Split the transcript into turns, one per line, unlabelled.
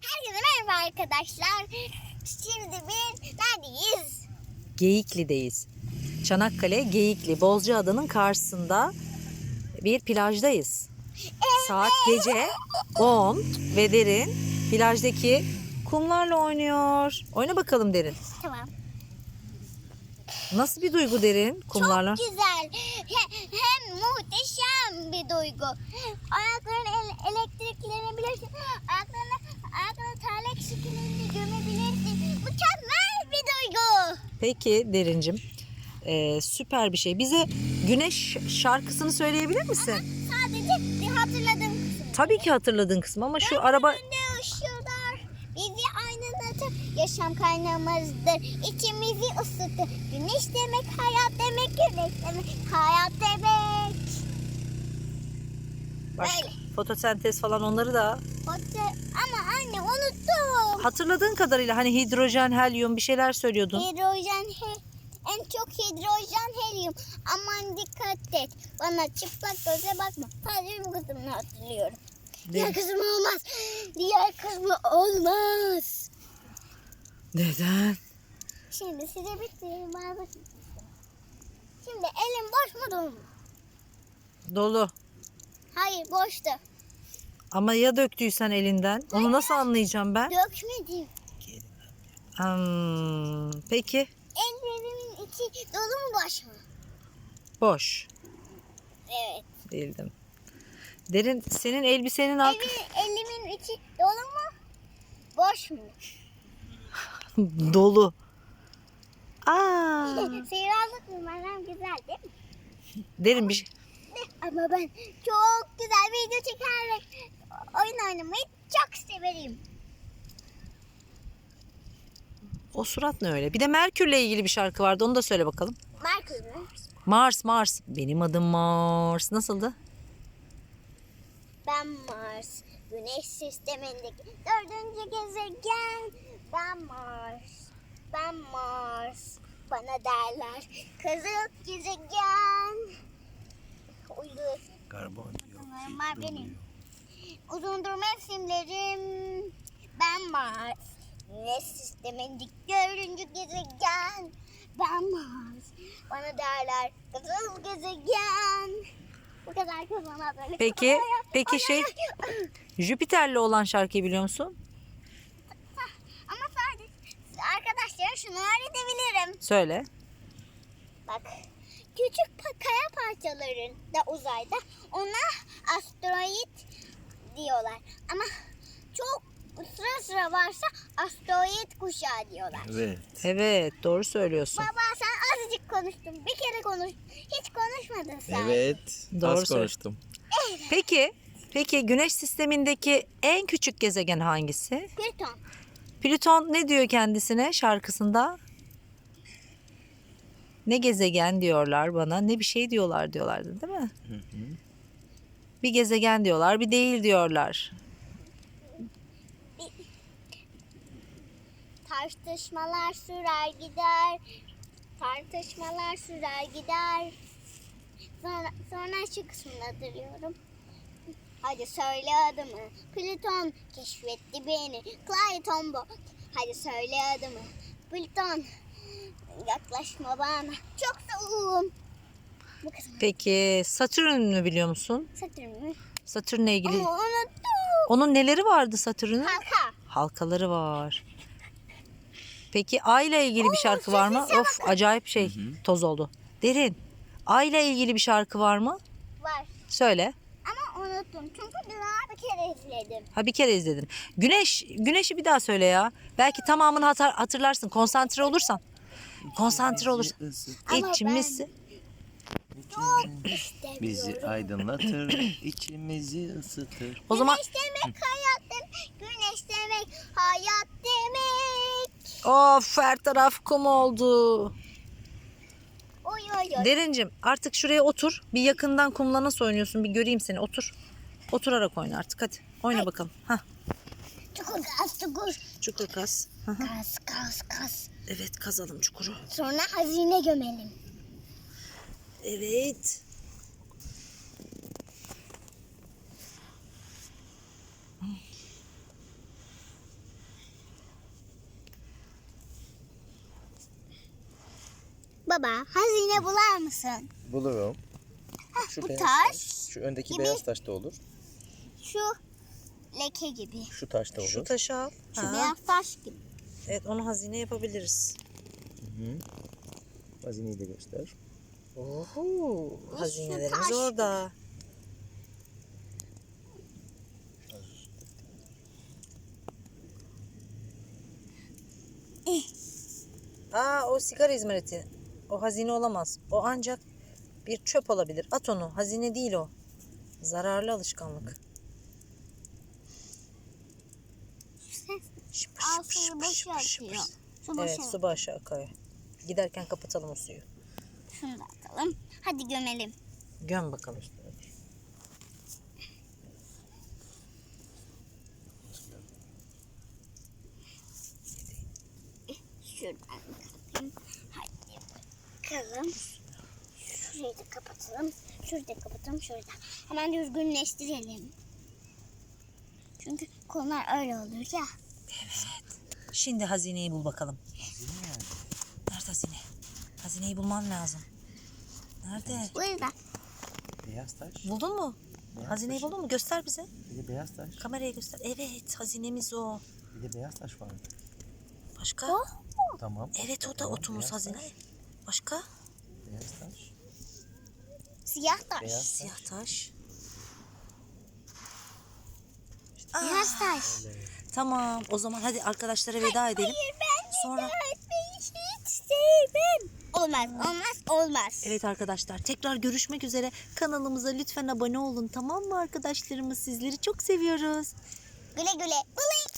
Herkese merhaba arkadaşlar. Şimdi biz neredeyiz?
Geyikli'deyiz. Çanakkale Geyikli Bozcaada'nın karşısında bir plajdayız. Saat gece 10 ve Derin plajdaki kumlarla oynuyor. Oyna bakalım Derin.
Tamam.
Nasıl bir duygu Derin kumlarla?
Çok güzel. Hem muhteşem bir duygu. Ayaklarını elektriklenebilirsin. Ayaklarını terlik şeklinde gömebilirsin. Mükemmel bir duygu.
Peki Derincim, süper bir şey. Bize Güneş şarkısını söyleyebilir misin?
Sadece bir hatırladığım kısım.
Tabii ki hatırladığın kısmı ama şu araba...
Önünde ışıldar, bizi aydınlatır, yaşam kaynağımızdır, içimizi ısıtır. Güneş demek hayat demek, güneş demek hayat demek.
Başka,
Böyle.
fotosentez falan onları da
Ama anne unuttum.
hatırladığın kadarıyla hani hidrojen, helyum bir şeyler söylüyordun.
En çok hidrojen helyum. Aman dikkat et. Bana çıplak göze bakma. Sadece bu kısmını hatırlıyorum. Diğer kısmı olmaz. Diğer kısmı olmaz.
Neden?
Şimdi size bitireyim. Şimdi elim boş mu dolu mu?
Dolu.
Hayır boştu.
Ama ya döktüysen elinden? Onu nasıl anlayacağım ben?
Dökmedim.
Peki.
Ellerimin içi dolu mu boş mu?
Boş.
Evet.
Bildim. Derin, senin elbisenin
Elimin içi dolu mu? Boş mu?
dolu. Aa.
Seyircilik numaram güzel değil mi?
Derin bir şey.
Ama ben çok güzel video çekerek oyun oynamayı çok severim.
O surat ne öyle? Bir de Merkür'le ilgili bir şarkı vardı. Onu da söyle bakalım.
Merkür mü?
Mars. Benim adım Mars. Nasıldı?
Ben Mars. Güneş sistemindeki dördüncü gezegen. Ben Mars. Bana derler kızıl gezegen. Uydu. Bunlar benim. Uzundur mevsimlerim. Ben Mars. Güneş sistemindeki dördüncü gezegen. Ben Mars. Bana derler kızıl gezegen. Bu kadar kızana böyle.
Peki Jüpiter'le olan şarkıyı biliyor musun?
Ama sadece arkadaşlar şunu öğretebilirim.
Söyle.
Bak küçük kaya parçaların da uzayda ona asteroid diyorlar. Ama çok sıra varsa asteroid kuşağı diyorlar.
Evet, doğru söylüyorsun.
Baba sen azıcık konuştun. Bir kere konuş. Hiç konuşmadın sen.
Evet.
Doğru
Az konuştum.
Peki Güneş sistemindeki en küçük gezegen hangisi?
Plüton.
Plüton ne diyor kendisine şarkısında? Ne gezegen diyorlar bana, ne bir şey diyorlardı değil mi? Bir gezegen diyorlar, bir değil diyorlar.
Tartışmalar sürer gider. Tartışmalar sürer gider. Sonra şu kısmını hatırlıyorum. Hadi söyle adımı. Plüton keşfetti beni. Clayton bu. Hadi söyle adımı. Plüton yaklaşma bana. Çok soğuğum. Bu kısmı.
Peki Satürn'ü biliyor musun?
Satürn mü?
Satürn'le ilgili.
Ama unuttum.
Onun neleri vardı Satürn'ün?
Halka.
Halkaları var. Peki Ay ile ilgili bir şarkı var mı?
sese
Of acayip şey toz oldu. Derin. Ay ile ilgili bir şarkı var mı?
Var.
Söyle.
Ama unuttum. Çünkü daha bir kere izledim.
Ha bir kere izledin. Güneşi bir daha söyle ya. Belki tamamını hatırlarsın. Konsantre olursan. Konsantre olursan.
Ama
İçimizi.
Çok istemiyorum.
Bizi aydınlatır, içimizi ısıtır.
O zaman
Güneş demek hayat demek. Güneş demek hayat demek.
of her taraf kum oldu.
Oy oy oy.
Derincim artık şuraya otur. Bir yakından kumla nasıl oynuyorsun bir göreyim seni. Otur. Oturarak oyna artık hadi. Oyna bakalım. Hah.
Çukur kaz çukur.
Çukur kaz. Hı hı.
Kaz.
Evet kazalım çukuru.
Sonra hazine gömelim.
Evet.
Baba hazine bular mısın?
Bulurum. Şu
bu
beyaz
taş
Şu öndeki
gibi.
beyaz taş da olur.
Şu leke gibi.
Şu taş da olur.
Şu taşı al.
Şu
Ha.
beyaz taş gibi.
Evet, onu hazine yapabiliriz.
Hı. Hazineyi de göster.
Oho, hazinelerimiz
taş.
orada. Aa, o sigara izmariti. O hazine olamaz. O ancak bir çöp olabilir. At onu. Hazine değil o. Zararlı alışkanlık. Şıpır
Al
şıpır
suyu
şıpır
boşa
şıpır şıpır.
akıyor. Su
Evet,
boşa.
su başı akıyor. Giderken kapatalım o suyu.
Şunu da atalım. Hadi gömelim.
Göm bakalım.
Şuradan kapatayım. Hadi bakalım. Şurayı da kapatalım. Şurayı da kapatalım. Şurayı da. Hemen düzgünleştirelim. Çünkü konular öyle olur ya.
Şimdi hazineyi bul bakalım. Nerede hazine? Hazineyi bulman lazım. Nerede?
Burada.
Beyaz taş.
Buldun mu?
Beyaz
Hazineyi
taş.
buldun mu? Göster bize.
Bir de beyaz taş.
Kameraya göster. Evet, hazinemiz o.
Bir de beyaz taş var.
Başka?
Tamam.
Evet, o da
Tamam,
otumuz
beyaz
hazine.
taş.
Başka?
Beyaz taş.
Siyah taş.
Beyaz
Siyah taş.
Beyaz taş.
Tamam, o zaman hadi arkadaşlara veda edelim.
Hayır ben
Sonra-
öğretmeyi hiç sevmem. Olmaz.
Evet arkadaşlar, tekrar görüşmek üzere. Kanalımıza lütfen abone olun, tamam mı arkadaşlarımız? Sizleri çok seviyoruz.
Güle güle. Bling.